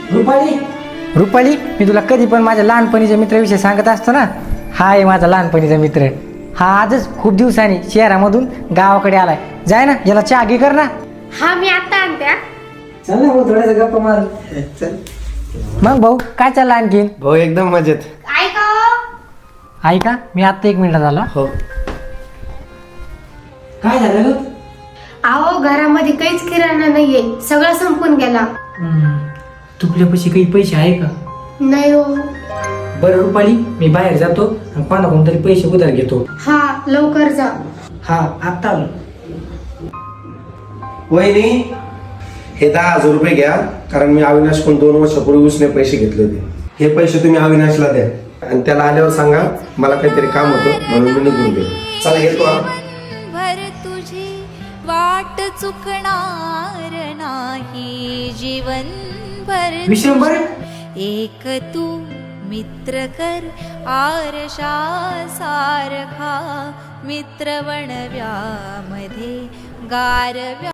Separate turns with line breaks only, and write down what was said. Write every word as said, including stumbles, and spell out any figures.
रुपाली रुपाली मी तुला कधी पण माझ्या लहानपणीच्या मित्राविषयी सांगत असतो ना. हा आहे माझा लहानपणीचा मित्र. हा आजच खूप दिवसांनी शहरामधून गावाकडे आलाय. जाय ना, याला चहा घे कर ना.
हा मी आता आणते.
चल ना भाऊ, थोडासा गप्पा मार.
चल.
मग भाऊ काय चाललं आणखीन?
भाऊ एकदम मजेत.
ऐका हो.
ऐका, मी आत्ता एक मिनिटात आलो.
हो.
काय झालं ग?
अहो घरामध्ये काहीच किराणा नाहीये, सगळं संपून गेला.
तुपल्यापाशी काही पैसे आहे का?
नाही हो.
बरं रुपाली, मी बाहेर जातो आणि कोणाकडून तरी पैसे उधार घेतो.
हा लवकर जा.
हा आत्ता आलो.
वहिनी, हे दहा हजार रुपये घ्या, कारण मी अविनाशकडून दोन वर्षापूर्वी उसने पैसे घेतले होते. हे पैसे तुम्ही अविनाशला द्या आणि त्याला आल्यावर सांगा मला काहीतरी काम होतं म्हणून मी निघून गेलो. चला येतो.
भर तुझी वाट चुकणार नाही जीवन भर.
विश्वंभर
एक तू मित्र कर आरशा सारखा मित्र बनव्यामध्ये गारव्या.